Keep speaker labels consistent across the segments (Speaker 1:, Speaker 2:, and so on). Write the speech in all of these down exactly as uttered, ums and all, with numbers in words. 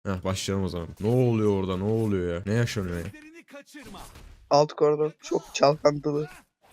Speaker 1: Heh, başlayalım o zaman. Ne oluyor orada, ne oluyor ya? Ne yaşanıyor ya?
Speaker 2: Alt koridor çok çalkantılı.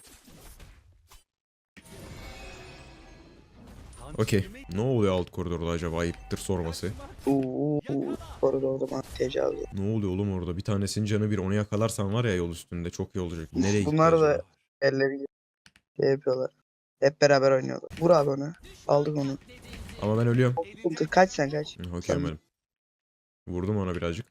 Speaker 1: Okey. Ne oluyor alt koridorda acaba? Ayıptır sorması.
Speaker 2: Uuu koridorda bana tecavüz.
Speaker 1: Ne oluyor oğlum orada? Bir tanesinin canı bir, onu yakalarsan var ya yol üstünde çok iyi olacak. Nereye gitti
Speaker 2: Bunlar
Speaker 1: acaba?
Speaker 2: da elleri şey yapıyorlar. Hep beraber oynuyorlar. Vur abi onu. Aldık onu.
Speaker 1: Ama ben ölüyorum.
Speaker 2: Dur, kaç sen kaç.
Speaker 1: Hı, okey
Speaker 2: Sen
Speaker 1: benim. Vurdum ona birazcık.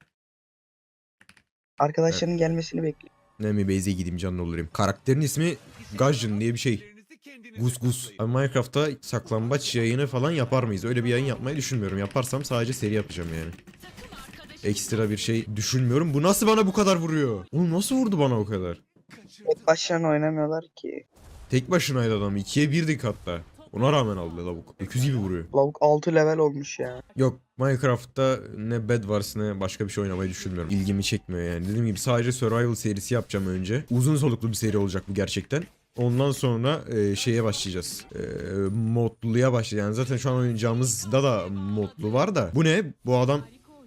Speaker 1: E,
Speaker 2: arkadaşlarının gelmesini bekle.
Speaker 1: ne mi base'e gideyim canlı olayım. Karakterin ismi Gajin diye bir şey. Gus Gus. Abi Minecraft'ta saklambaç yayını falan yapar mıyız? Öyle bir yayın yapmayı düşünmüyorum. Yaparsam sadece seri yapacağım yani. Ekstra bir şey düşünmüyorum. Bu nasıl bana bu kadar vuruyor? Oğlum nasıl vurdu bana o kadar?
Speaker 2: Hep başlarına oynamıyorlar ki.
Speaker 1: Tek başınaydı adam. ikiye birdik hatta. Ona rağmen aldı lavuk. öküz gibi vuruyor.
Speaker 2: Lavuk altı level olmuş ya.
Speaker 1: Yok, Minecraft'ta ne Bed Wars ne başka bir şey oynamayı düşünmüyorum. İlgimi çekmiyor yani. Dediğim gibi sadece Survival serisi yapacağım önce. Uzun soluklu bir seri olacak bu gerçekten. Ondan sonra e, şeye başlayacağız. E, modluya başlayacağız. Yani zaten şu an oynayacağımızda da modlu var da. Bu ne? Bu adam...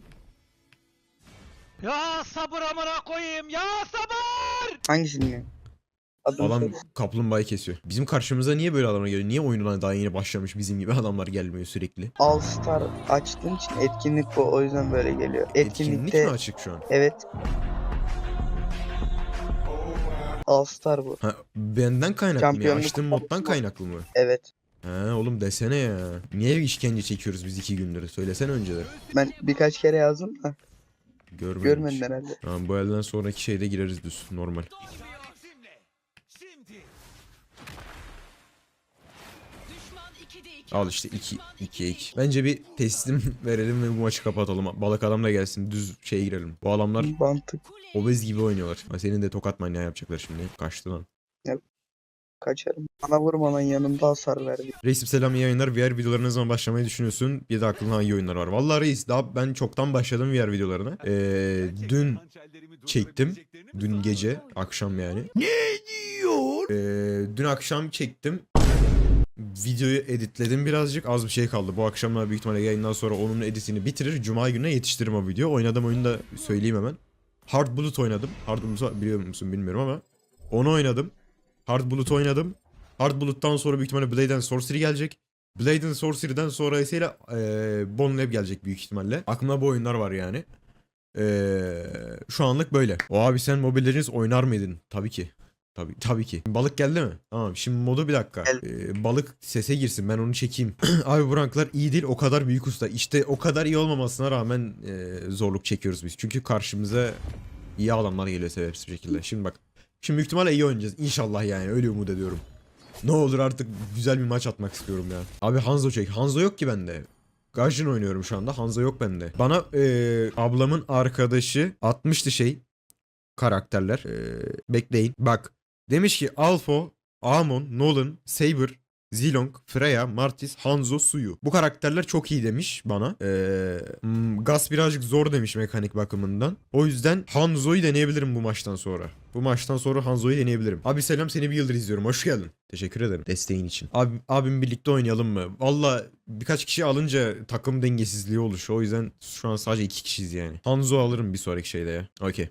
Speaker 3: Ya sabır amına koyayım ya sabır!
Speaker 2: Hangisini? Adını
Speaker 1: Adam
Speaker 2: söyle.
Speaker 1: kaplumbağayı kesiyor. Bizim karşımıza niye böyle adamlar geliyor? Niye oyununa daha yeni başlamış bizim gibi adamlar gelmiyor sürekli?
Speaker 2: All Star açtığın için etkinlik bu. O yüzden böyle geliyor.
Speaker 1: Etkinlik
Speaker 2: Etkinlikte
Speaker 1: mi açık şu an?
Speaker 2: evet. All Star bu.
Speaker 1: Ha, benden kaynaklı mı ya?
Speaker 2: Şampiyonluk
Speaker 1: Açtığım moddan kaynaklı mı?
Speaker 2: Evet.
Speaker 1: Ha oğlum desene ya. Niye işkence çekiyoruz biz iki gündür? Söylesene önceleri.
Speaker 2: Ben birkaç kere yazdım da
Speaker 1: Görmedim
Speaker 2: görmedin
Speaker 1: hiç.
Speaker 2: herhalde.
Speaker 1: Tamam, bu elden sonraki şeyde gireriz düz. Normal. Al işte iki ikiye iki. Bence bir teslim verelim ve bu maçı kapatalım. Balık adam da gelsin. Düz şeye girelim. Bu adamlar
Speaker 2: Mantık.
Speaker 1: obez gibi oynuyorlar. Ha, senin de tokat manyağı yapacaklar şimdi. Kaçtı lan.
Speaker 2: Kaçarım. Bana vurmadan yanımda hasar verdi.
Speaker 1: Reisim selam, iyi yayınlar. V R videolarına ne zaman başlamayı düşünüyorsun? Bir de aklına hangi oyunlar var? Vallahi reis daha ben çoktan başladım V R videolarına. Ee, dün çektim. Dün gece, akşam yani. Ne diyor? Ee, dün akşam çektim. Videoyu editledim birazcık. Az bir şey kaldı. Bu akşamlar büyük ihtimalle yayından sonra onun editini bitirir. Cuma gününe yetiştiririm o video. Oynadığım oyunu da söyleyeyim hemen. Hard Bullet oynadım. Hard Bullet'u biliyor musun bilmiyorum ama. Onu oynadım. Hard Bullet oynadım. Hard Bullet'tan sonra büyük ihtimalle Blade and Sorcery gelecek. Blade and Sorcery'den sonra ise ee, Bone Lab gelecek büyük ihtimalle. Aklımda bu oyunlar var yani. Ee, şu anlık böyle. O abi sen Mobile Legends oynar mıydın? Tabii ki. Tabii, tabii ki. Balık geldi mi? Tamam, şimdi modu bir dakika. Ee, balık sese girsin, ben onu çekeyim. Abi bu ranklar iyi değil, o kadar büyük usta. İşte o kadar iyi olmamasına rağmen e, zorluk çekiyoruz biz. Çünkü karşımıza iyi adamlar geliyor sebepsiz bir şekilde. Şimdi bak. Şimdi büyük ihtimalle iyi oynayacağız. İnşallah yani, öyle umut ediyorum. Ne olur artık güzel bir maç atmak istiyorum ya. Abi Hanzo çek. Hanzo yok ki bende. Gajin oynuyorum şu anda. Hanzo yok bende. Bana e, ablamın arkadaşı atmıştı şey. Karakterler. E, bekleyin. Bak. Demiş ki Alpho, Amon, Nolan, Saber, Zilong, Freya, Martis, Hanzo, Suyu. Bu karakterler çok iyi demiş bana. Ee, hmm, Gas birazcık zor demiş mekanik bakımından. O yüzden Hanzo'yu deneyebilirim bu maçtan sonra. Bu maçtan sonra Hanzo'yu deneyebilirim. Abi selam, seni bir yıldır izliyorum. Hoş geldin. Teşekkür ederim desteğin için. Abi, abim birlikte oynayalım mı? Valla birkaç kişi alınca takım dengesizliği oluşuyor. O yüzden şu an sadece iki kişiyiz yani. Hanzo alırım bir sonraki şeyde ya. Okey.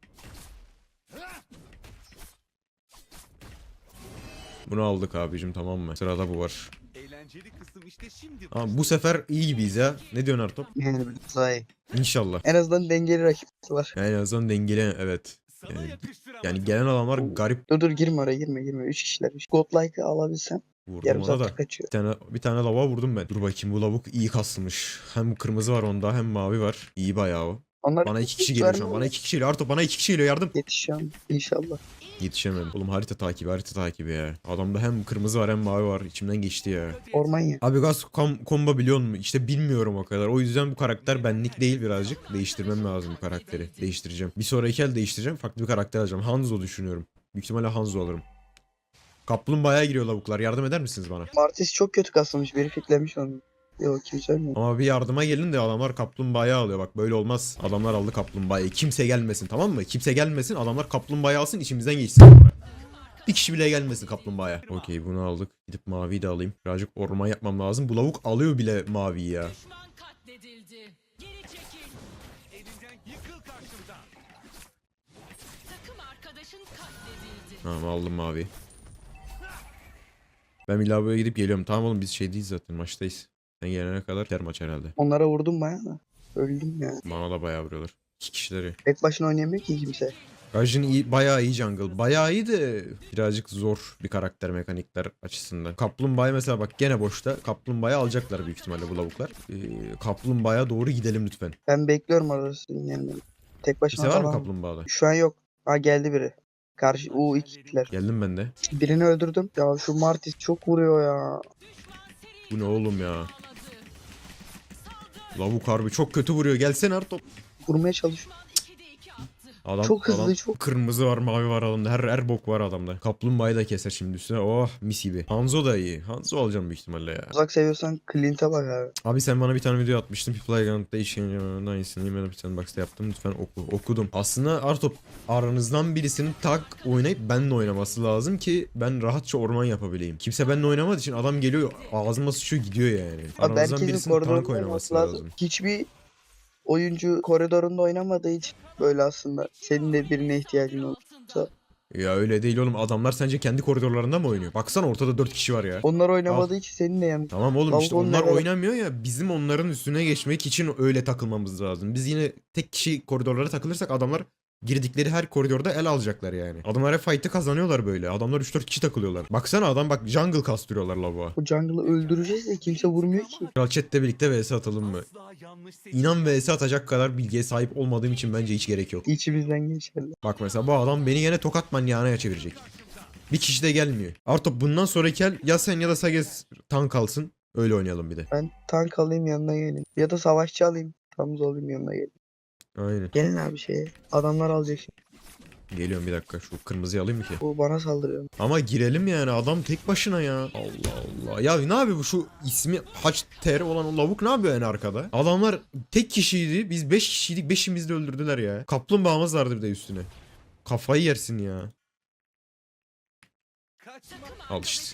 Speaker 1: Bunu aldık abicim, tamam mı? Sırada bu var.
Speaker 3: Eğlenceli kısım işte şimdi.
Speaker 1: Ama bu sefer iyi gibiyiz ya. Ne diyorsun Artop?
Speaker 2: Yani biraz daha iyi.
Speaker 1: İnşallah.
Speaker 2: En azından dengeli rakipler var.
Speaker 1: Yani en azından dengeli, evet. Yani, yani gelen adamlar garip.
Speaker 2: Dur dur girme oraya girme girme. Üç kişiler. Godlike'ı alabilsem
Speaker 1: Vurdum
Speaker 2: yarım
Speaker 1: ona
Speaker 2: saattir
Speaker 1: da.
Speaker 2: kaçıyor.
Speaker 1: Bir tane, bir tane lavuğa vurdum ben. Dur bakayım, bu lavuk iyi kasılmış. Hem kırmızı var onda hem mavi var. İyi bayağı o.
Speaker 2: Onlar
Speaker 1: Bana iki kişi
Speaker 2: hiç
Speaker 1: geliyor şu an.
Speaker 2: vermiyor.
Speaker 1: Bana iki kişi geliyor. Artop bana iki kişi geliyor, yardım.
Speaker 2: Yetişeceğim inşallah.
Speaker 1: Yetişemedim. Oğlum harita takibi, harita takibi ya. Adamda hem kırmızı var hem mavi var. İçimden geçti ya.
Speaker 2: Orman ya.
Speaker 1: Abi gaz kom komba biliyor musun? İşte bilmiyorum o kadar. O yüzden bu karakter benlik değil birazcık. Değiştirmem lazım bu karakteri. Değiştireceğim. Bir sonraki el değiştireceğim. Farklı bir karakter alacağım. Hanzo düşünüyorum. Büyük ihtimalle Hanzo alırım. Kaplumbağaya giriyor lavuklar. Yardım eder misiniz bana?
Speaker 2: Martis çok kötü kasılmış. Biri fitlemiş onu. Yok kimse ölmüyor.
Speaker 1: Ama bir yardıma gelin de adamlar kaplumbağayı alıyor. Bak böyle olmaz. Adamlar aldı kaplumbağayı. Kimse gelmesin, tamam mı? Kimse gelmesin. Adamlar kaplumbağayı alsın, içimizden geçsin sonra. Bir kişi bile gelmesin kaplumbağaya. Okey, bunu aldık. Gidip maviyi de alayım. Birazcık orman yapmam lazım. Bu lavuk alıyor bile maviyi ya. Tamam aldım mavi. Ben bir lavaboya gidip geliyorum. Tamam oğlum biz şeydeyiz zaten maçtayız. Sen gelene kadar biter maç herhalde.
Speaker 2: Onlara vurdum bayağı da. Öldüm ya.
Speaker 1: Bana da bayağı vuruyorlar. İki kişileri.
Speaker 2: Tek başına oynayamıyor ki kimse.
Speaker 1: Gajin iyi, bayağı iyi jungle. Bayağı iyi de birazcık zor bir karakter mekanikler açısından. Kaplumbağa'yı mesela bak gene boşta. Kaplumbağa'yı alacaklar büyük ihtimalle bu lavuklar. Ee, Kaplumbağa'ya doğru gidelim lütfen.
Speaker 2: Ben bekliyorum orada sizin gelmeni. Tek başına
Speaker 1: Kimse var mı
Speaker 2: falan.
Speaker 1: kaplumbağada?
Speaker 2: Şu an yok. Ha geldi biri. Karşı u ikiler.
Speaker 1: Geldim ben de.
Speaker 2: Birini öldürdüm. Ya şu Martis çok vuruyor ya.
Speaker 1: Bu ne oğlum ya? Lavuk harbi çok kötü vuruyor. Gelsene Artop.
Speaker 2: Vurmaya çalışıyor.
Speaker 1: Adam,
Speaker 2: Çok hızlı,
Speaker 1: adam
Speaker 2: çok-
Speaker 1: kırmızı var mavi var adamda. Her, her bok var adamda. Kaplumbağayı da keser şimdi üstüne. Oh mis gibi. Hanzo da iyi. Hanzo alacağım büyük ihtimalle ya.
Speaker 2: Uzak seviyorsan Clint'e bak abi.
Speaker 1: Abi sen bana bir tane video atmıştın. Playground'da işin aynısını Email bir sandbox'ta yaptım. Lütfen oku. Okudum. Aslında Artop aranızdan birisinin tak oynayıp benimle oynaması lazım ki ben rahatça orman yapabileyim. Kimse benimle oynamadığı için adam geliyor ağzıma sıçıyor gidiyor yani.
Speaker 2: Abi
Speaker 1: Aranızdan
Speaker 2: herkesin
Speaker 1: birisinin tank
Speaker 2: koridorunda
Speaker 1: oynaması
Speaker 2: oynaması
Speaker 1: lazım.
Speaker 2: lazım. Hiçbir oyuncu koridorunda oynamadığı için böyle aslında. Senin de birine ihtiyacın olursa.
Speaker 1: Ya öyle değil oğlum. Adamlar sence kendi koridorlarında mı oynuyor? Baksana ortada dört kişi var ya.
Speaker 2: Onlar oynamadığı için senin de yani.
Speaker 1: Tamam oğlum
Speaker 2: Lavuk
Speaker 1: işte onlar
Speaker 2: onlara-
Speaker 1: oynamıyor ya bizim onların üstüne geçmek için öyle takılmamız lazım. Biz yine tek kişi koridorlara takılırsak adamlar girdikleri her koridorda el alacaklar yani. Adamlar hep fight'ı kazanıyorlar böyle. Adamlar üç dört kişi takılıyorlar. Baksana adam bak jungle kastırıyorlar lavuğa.
Speaker 2: Bu jungle'ı öldüreceğiz de kimse vurmuyor ki.
Speaker 1: Kral chat'le birlikte vs atalım mı? İnan vs atacak kadar bilgiye sahip olmadığım için bence hiç gerek yok.
Speaker 2: İçimizden geçerler.
Speaker 1: Bak mesela bu adam beni yine tokat manyağına çevirecek. Bir kişi de gelmiyor. Artık bundan sonraki el ya sen ya da Sages tank alsın. Öyle oynayalım bir de.
Speaker 2: Ben tank alayım yanına gelin. Ya da savaşçı alayım. Tamız olayım yanına gelin.
Speaker 1: Aynen.
Speaker 2: Gelin abi şeye. Adamlar alacak şimdi.
Speaker 1: Geliyorum bir dakika şu kırmızıyı alayım mı ki?
Speaker 2: Bu bana saldırıyor.
Speaker 1: Ama girelim yani adam tek başına ya. Allah Allah. Ya ne yapıyor bu şu ismi Haç Ter olan o lavuk ne yapıyor yani arkada? Adamlar tek kişiydi. Biz beş kişiydik. Beşimizi de öldürdüler ya. Kaplumbağamız vardı bir de üstüne. Kafayı yersin ya. Al işte.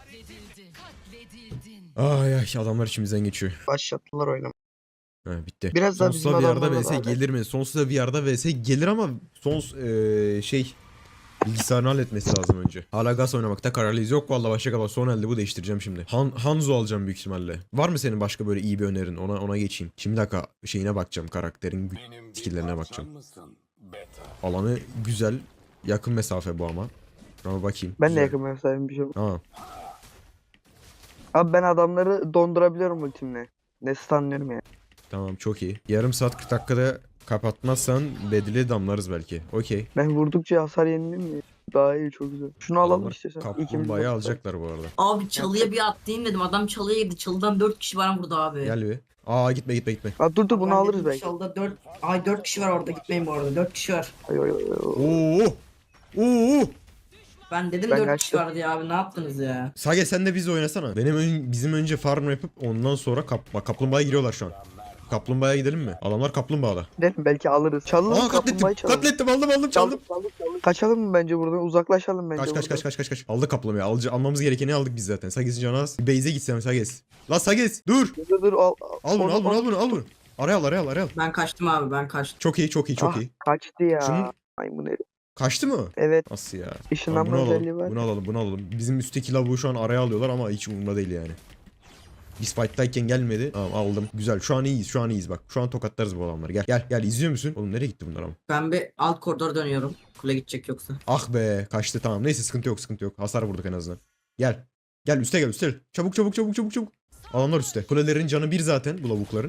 Speaker 1: Ay ay adamlar içimizden geçiyor.
Speaker 2: Başlattılar oynamayı.
Speaker 1: Ha, bitti.
Speaker 2: Biraz daha bizim
Speaker 1: Sonsuza V R'da
Speaker 2: adamlarla
Speaker 1: vs
Speaker 2: beraber.
Speaker 1: gelir mi? Sonsuza V R'da vs gelir ama sons eee, şey bilgisayarını halletmesi lazım önce. Hala gaz oynamakta kararlıyız. Yok vallahi başka kadar son elde bu değiştireceğim şimdi. Han, Hanzo alacağım büyük ihtimalle. Var mı senin başka böyle iyi bir önerin? Ona ona geçeyim. Şimdi dakika şeyine bakacağım karakterin gü- skill'lerine bakacağım. Alanı güzel. Yakın mesafe bu ama. Ama bakayım.
Speaker 2: Ben de
Speaker 1: Güzel.
Speaker 2: yakın mesafem bir şey.
Speaker 1: Tamam.
Speaker 2: Abi ben adamları dondurabiliyorum ultimle. Ne stunlıyorum yani.
Speaker 1: Tamam çok iyi. Yarım saat kırk dakikada kapatmazsan bedeli damlarız belki. Okey.
Speaker 2: Ben vurdukça hasar yeniliyor mi? Daha iyi çok güzel. Şunu alalım
Speaker 1: Adamlar
Speaker 2: işte sen.
Speaker 1: Kaplumbağayı alacaklar bu arada.
Speaker 4: Abi çalıya bir atlayayım dedim. Adam çalıya gitti. Çalıdan dört kişi var burada abi.
Speaker 1: Gel bir. Aa gitme gitme gitme.
Speaker 2: Ha, dur dur bunu
Speaker 4: Ben
Speaker 2: alırız
Speaker 4: dedim,
Speaker 2: belki.
Speaker 4: Çalıda dört ay dört kişi var orada. Gitmeyin bu arada. dört kişi var.
Speaker 2: Ay, ay, ay, ay.
Speaker 1: Oo! Oo!
Speaker 4: Ben dedim
Speaker 2: Ben
Speaker 4: dört kişi
Speaker 2: kaçtım.
Speaker 4: var diye abi. Ne yaptınız ya?
Speaker 1: Sage sen de biz oynasana. Benim ön- bizim önce farm yapıp ondan sonra kap bak kaplumbağaya giriyorlar şu an. Kaplumbağaya gidelim mi? Adamlar kaplumbağada.
Speaker 2: Gidelim belki alırız. Çalalım
Speaker 1: Aa katlettim.
Speaker 2: kaplumbağayı çalalım.
Speaker 1: Katlettim aldım aldım çaldım.
Speaker 2: Çaldık, çaldık, çaldık. Kaçalım mı bence buradan? Uzaklaşalım bence
Speaker 1: Kaç kaç
Speaker 2: buradan.
Speaker 1: kaç kaç kaç kaç. Aldık kaplumbağayı. Alca almamız gerekeni aldık biz zaten. Sages'in canı az. Bir base'e gitsem Sages. La Sages dur.
Speaker 2: Dur dur al.
Speaker 1: Al bunu
Speaker 2: Onu-
Speaker 1: al bunu
Speaker 2: onu-
Speaker 1: al bunu al bunu. Araya al araya al araya al.
Speaker 4: Ben kaçtım abi. Ben kaçtım.
Speaker 1: Çok iyi çok iyi çok
Speaker 2: Ah,
Speaker 1: iyi.
Speaker 2: kaçtı ya.
Speaker 1: Şunun-
Speaker 2: Maymun herif.
Speaker 1: Kaçtı mı?
Speaker 2: Evet.
Speaker 1: Nasıl ya? Tamam,
Speaker 2: Işınlanma
Speaker 1: bunu
Speaker 2: özelliği
Speaker 1: alalım.
Speaker 2: var.
Speaker 1: Bunu alalım bunu alalım. Bizim üstteki lavuğu şu an araya alıyorlar ama hiç umurumda değil yani. Biz fight'tayken gelmedi. Tamam aldım. Güzel. Şu an iyiyiz. Şu an iyiyiz bak. Şu an tokatlarız bu adamları. Gel. Gel. Gel. İzliyor musun? Oğlum nereye gitti bunlar ama?
Speaker 4: Ben bir alt koridora dönüyorum. Kule gidecek yoksa.
Speaker 1: Ah be. Kaçtı tamam. Neyse sıkıntı yok. Sıkıntı yok. Hasar vurduk en azından. Gel. Gel üste gel üste. Çabuk çabuk çabuk çabuk çabuk. Adamlar üstte. Kulelerin canı bir zaten bu lavukların.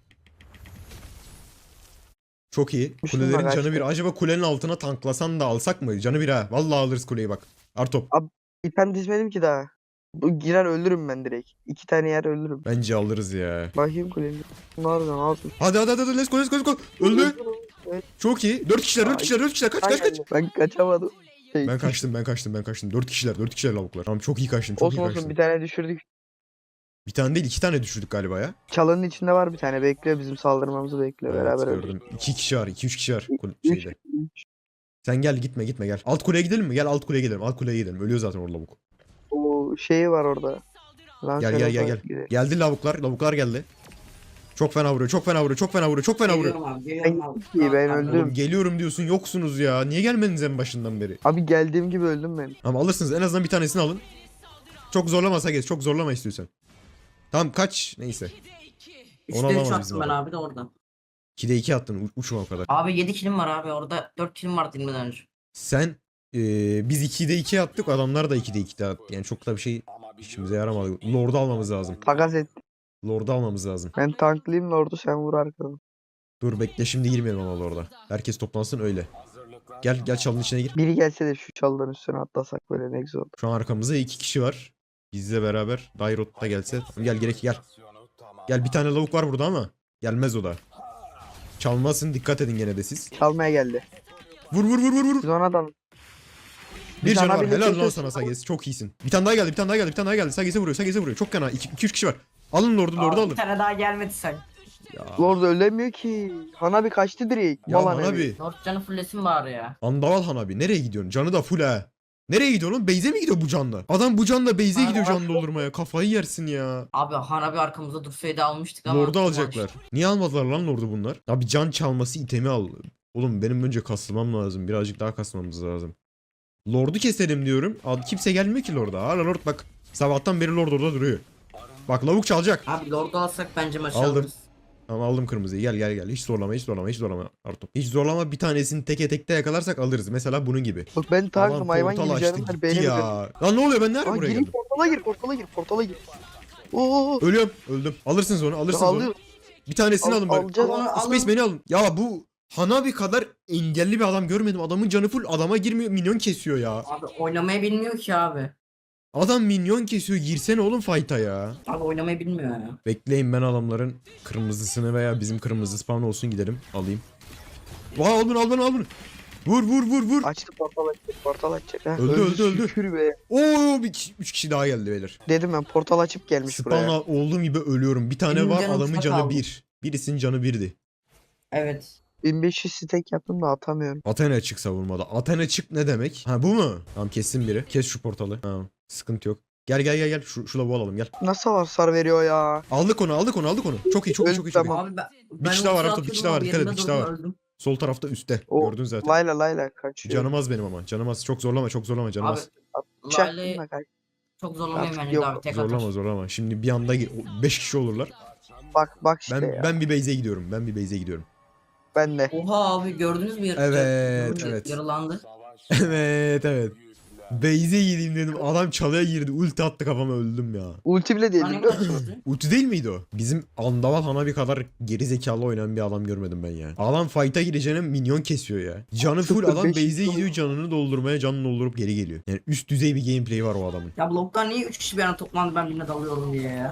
Speaker 1: Çok iyi.
Speaker 2: Müslüman
Speaker 1: Kulelerin canı
Speaker 2: kaçtı.
Speaker 1: bir. Acaba kulenin altına tanklasan da alsak mı? Canı bir ha. Vallahi alırız kuleyi bak. Artop.
Speaker 2: İpen dizmedim ki daha. Bu girer ölürüm ben direkt. İki tane yer ölürüm.
Speaker 1: Bence alırız ya.
Speaker 2: Bakayım kuleyi. Bunu alacağım alsın.
Speaker 1: Hadi hadi hadi. Let's go let's go let's go. Öldü.
Speaker 2: Evet.
Speaker 1: Çok iyi. Dört kişiler, dört kişiler, dört kişiler. Kaç kaç kaç.
Speaker 2: Ben kaçamadım. Şey,
Speaker 1: Ben kaçtım, ben kaçtım, ben kaçtım. Dört kişiler, dört kişiler lavuklar. Tamam çok iyi kaçtım, çok
Speaker 2: Olsun
Speaker 1: iyi
Speaker 2: olsun
Speaker 1: kaçtım.
Speaker 2: bir tane düşürdük.
Speaker 1: Bir tane değil, iki tane düşürdük galiba ya.
Speaker 2: Çalının içinde var bir tane. Bekliyor bizim saldırmamızı bekliyor.
Speaker 1: Evet,
Speaker 2: Beraber öldük.
Speaker 1: gördüm. İki kişi var, iki üç kişi var. Kul-
Speaker 2: Üç,
Speaker 1: şeyde.
Speaker 2: üç.
Speaker 1: Sen gel gitme gitme gel. Alt kuleye gidelim mi? Gel alt kuleye gidelim. Alt kuleye gidelim. Ölüyor zaten orada lavuk.
Speaker 2: O şeyi var orada.
Speaker 1: Gel gel gel gel. Geldi lavuklar, lavuklar geldi. Çok fena vuruyor, çok fena vuruyor, çok fena vuruyor, çok fena vuruyor.
Speaker 4: Geliyorum abi. Geliyorum abi.
Speaker 2: İyi, ben
Speaker 4: Tamam,
Speaker 2: öldüm.
Speaker 1: Oğlum geliyorum diyorsun, yoksunuz ya. Niye gelmediniz en başından beri?
Speaker 2: Abi geldiğim gibi öldüm ben.
Speaker 1: Ama alırsınız, en azından bir tanesini alın. Çok zorlamasa geç, çok zorlama istiyorsan. Tamam kaç, neyse. Onu
Speaker 4: üçte üç
Speaker 1: alamaz bizim
Speaker 4: attım ben
Speaker 1: adam.
Speaker 4: abi de orada.
Speaker 1: ikide iki attın, u- uçma o kadar.
Speaker 4: Abi yedi kilim var abi orada. dört kilim vardı inmeden önce.
Speaker 1: Sen, eee biz ikide iki attık, adamlar da ikide iki attı. Yani çok da bir şey işimize yaramadı. Lord'u almamız lazım.
Speaker 2: Takas et.
Speaker 1: Lord'u almamız lazım.
Speaker 2: Ben tanklayayım Lord'u, sen vur arkadan.
Speaker 1: Dur bekle, şimdi girmeyelim ama Lord'a. Herkes toplansın öyle. Gel gel çalının içine gir.
Speaker 2: Biri gelse de şu çalıların üstüne atlasak böyle ne güzel olur.
Speaker 1: Şu an arkamızda iki kişi var. Bizle beraber. Dairot da gelse. Gel gerek gel. Gel, bir tane lavuk var burada ama. Gelmez o da. Çalmasın, dikkat edin gene de siz.
Speaker 2: Çalmaya geldi.
Speaker 1: Vur vur vur vur vur.
Speaker 2: Biz ona da
Speaker 1: Bir
Speaker 2: sana
Speaker 1: canavar,
Speaker 2: bile
Speaker 1: helal lan
Speaker 2: çekiyorsun.
Speaker 1: sana Sages. Çok iyisin. Bir tane daha geldi, bir tane daha geldi, bir tane daha geldi. Sages'e vuruyor, Sages'e vuruyor. Çok kana. iki üç kişi var. Alın Lord'u, Lord'u
Speaker 4: Abi,
Speaker 1: alın.
Speaker 4: bir tane daha gelmedi sen.
Speaker 1: Ya,
Speaker 2: Lord ölemiyor ki. Hanabi kaçtı direkt.
Speaker 1: ya
Speaker 2: Mal Hanabi.
Speaker 1: Hanabi.
Speaker 4: Lord canı fullesin bari ya.
Speaker 1: Andaval Hanabi. Nereye gidiyorsun? Canı da full ha. Nereye gidiyor oğlum? Beyze mi gidiyor bu canla? Adam bu canla Beyze
Speaker 4: Abi,
Speaker 1: gidiyor
Speaker 4: abi.
Speaker 1: can doldurmaya. Kafayı yersin ya.
Speaker 4: Abi Hanabi arkamızda dursaydı almıştık ama.
Speaker 1: Lord'u alacaklar. Niye almadılar lan Lord'u bunlar? Abi can çalması itemi al. Oğlum benim önce kasılmam lazım. Birazcık daha kasmamız lazım. Lord'u keselim diyorum. Al, kimse gelmiyor ki Lord'a. Hala Lord bak. Sabahtan beri Lord orada duruyor. Bak lavuk çalacak.
Speaker 4: Abi Lord'u alsak bence maçı
Speaker 1: Aldım.
Speaker 4: alırız.
Speaker 1: Ama aldım kırmızıyı. Gel gel gel. Hiç zorlama, hiç zorlama, hiç zorlama. Artur. Hiç zorlama, bir tanesini teke tekte yakalarsak alırız. Mesela bunun gibi.
Speaker 2: Bak ben tankım
Speaker 1: Aman
Speaker 2: hayvan
Speaker 1: portal
Speaker 2: gibi
Speaker 1: açtı
Speaker 2: canım var.
Speaker 1: gitti
Speaker 2: Benim
Speaker 1: ya. Lan ne oluyor, ben nerede
Speaker 2: Aa,
Speaker 1: buraya
Speaker 2: gireyim
Speaker 1: geldim?
Speaker 2: portala gir portala gir portala gir. Oo.
Speaker 1: Ölüyorum. Öldüm. Alırsınız onu, alırsınız onu.
Speaker 2: Alıyor.
Speaker 1: Bir tanesini
Speaker 2: Al-
Speaker 1: alın bari.
Speaker 2: alacağız.
Speaker 4: Onu alın.
Speaker 1: Space beni alın. Ya bu Hanabi kadar engelli bir adam görmedim. Adamın canı full, adama girmiyor, minyon kesiyor ya.
Speaker 4: Abi oynamayı bilmiyor ki abi.
Speaker 1: Adam minyon kesiyor, girsene oğlum fight'a ya.
Speaker 4: Abi oynamayı bilmiyor ya.
Speaker 1: Bekleyin, ben adamların kırmızısını veya bizim kırmızı spawn olsun gidelim alayım. Vay, al bunu al bunu al bunu. Vur vur vur vur.
Speaker 2: Açtı portal açacak portal açacak. Ha,
Speaker 1: Öldü, öldü, öldü.
Speaker 2: Şükür be.
Speaker 1: Oo, bir kişi, üç kişi daha geldi beyler.
Speaker 2: Dedim ben portal açıp gelmiş buraya.
Speaker 1: Spawn'a olduğum gibi ölüyorum. Bir tane
Speaker 4: Benim
Speaker 1: var,
Speaker 4: canım
Speaker 1: adamın
Speaker 4: çok
Speaker 1: canı
Speaker 4: aldı.
Speaker 1: bir. Birisinin canı birdi.
Speaker 4: Evet.
Speaker 2: bin beş yüz stack yaptım da atamıyorum.
Speaker 1: Athena çık savunmada. Athena çık ne demek? Ha bu mu? Tamam, kessin biri. Kes şu portalı. Tamam, sıkıntı yok. Gel gel gel gel. Şu, şu lavuğu alalım gel.
Speaker 2: Nasıl hasar veriyor ya?
Speaker 1: Aldık onu, aldık onu, aldık onu. Çok iyi, çok iyi, çok iyi. Çok iyi.
Speaker 2: Tamam.
Speaker 4: Abi ben,
Speaker 1: Bir kişi daha var, Artur, bir kişi daha var. Dikkat et, bir kişi daha var.
Speaker 4: Öldüm.
Speaker 1: Sol tarafta üstte.
Speaker 2: O
Speaker 1: Gördün zaten.
Speaker 2: Layla Layla kaçıyor.
Speaker 1: Canım az benim ama. Canım az. Çok zorlama, çok zorlama. Canım
Speaker 4: Abi
Speaker 1: az.
Speaker 2: Çaktım
Speaker 4: Lale
Speaker 2: da kaç.
Speaker 4: çok zorlamayayım
Speaker 2: Artık
Speaker 4: bence
Speaker 2: yok.
Speaker 4: abi tek
Speaker 1: Zorlama,
Speaker 4: atar.
Speaker 1: zorlama. Şimdi bir anda beş kişi olurlar.
Speaker 2: Bak bak işte
Speaker 1: Ben
Speaker 2: ya.
Speaker 1: ben bir base'e gidiyorum. Ben bir base'e gidiyorum.
Speaker 2: Ben de.
Speaker 4: Oha abi gördünüz mü? Yar-
Speaker 1: Evet,
Speaker 4: yar-
Speaker 1: evet.
Speaker 4: Yaralandı.
Speaker 1: Evet, evet. Base'e gireyim dedim. Adam çalıya girdi. Ulti attı kafama, öldüm ya.
Speaker 2: Ulti bile değil
Speaker 4: Hani
Speaker 2: biliyor musun?
Speaker 4: nasıl?
Speaker 1: Ulti değil miydi o? Bizim Andaval Hanabi kadar geri zekalı oynayan bir adam görmedim ben ya. Adam fight'a gireceğine minyon kesiyor ya. Canı full,
Speaker 2: Sıfır
Speaker 1: adam
Speaker 2: beş
Speaker 1: base'e
Speaker 2: milyon.
Speaker 1: gidiyor, canını doldurmaya, canını doldurup geri geliyor. Yani üst düzey bir gameplay var o adamın.
Speaker 4: Ya bloktan niye üç kişi bir yana toplandı ben birine dalıyorum diye ya.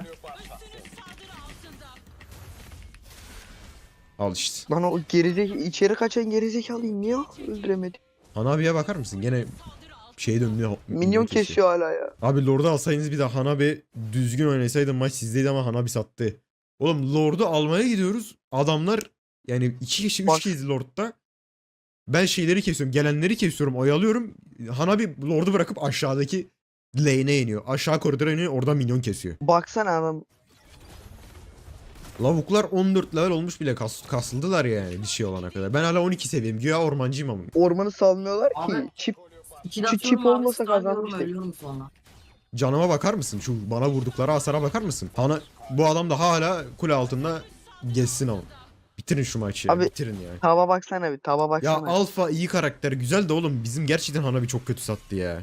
Speaker 1: Al işte.
Speaker 2: Lan o gerizek içeri kaçan gerizekalıyım niye öldüremedim?
Speaker 1: Hanabi'ye bakar mısın? Gene şey dönüyor.
Speaker 2: Minyon kesiyor hala ya.
Speaker 1: Abi Lord'u alsaydınız bir de Hanabi düzgün oynasaydı maç sizdeydi ama Hanabi sattı. Oğlum Lord'u almaya gidiyoruz. Adamlar yani iki kişi, üç
Speaker 2: Bak.
Speaker 1: kişi Lord'da. Ben şeyleri kesiyorum. Gelenleri kesiyorum. Oyalıyorum. Hanabi Lord'u bırakıp aşağıdaki lane'e iniyor. Aşağı koridora iniyor. Orada minyon kesiyor.
Speaker 2: Baksana adam.
Speaker 1: Lavuklar on dört level olmuş bile kas, kasıldılar yani bir şey olana kadar. Ben hala on iki seviyem. Güya ormancıyım ama.
Speaker 2: Ormanı salmıyorlar ki.
Speaker 4: Abi.
Speaker 2: Çip
Speaker 4: İki
Speaker 2: Şu
Speaker 4: dakika
Speaker 2: çip
Speaker 4: sonra abi
Speaker 2: olmasa
Speaker 4: starlıyorum,
Speaker 2: kazanmıştık.
Speaker 4: ölüyorum sonra.
Speaker 1: Canıma bakar mısın? Şu bana vurdukları hasara bakar mısın? Hana, bu adam da hala kule altında geçsin ama. Bitirin şu maçı ya.
Speaker 2: Abi,
Speaker 1: Bitirin ya.
Speaker 2: taba baksana bir taba
Speaker 1: Ya
Speaker 2: baksana.
Speaker 1: Alfa iyi karakter güzel de oğlum bizim gerçekten Hanabi çok kötü sattı ya.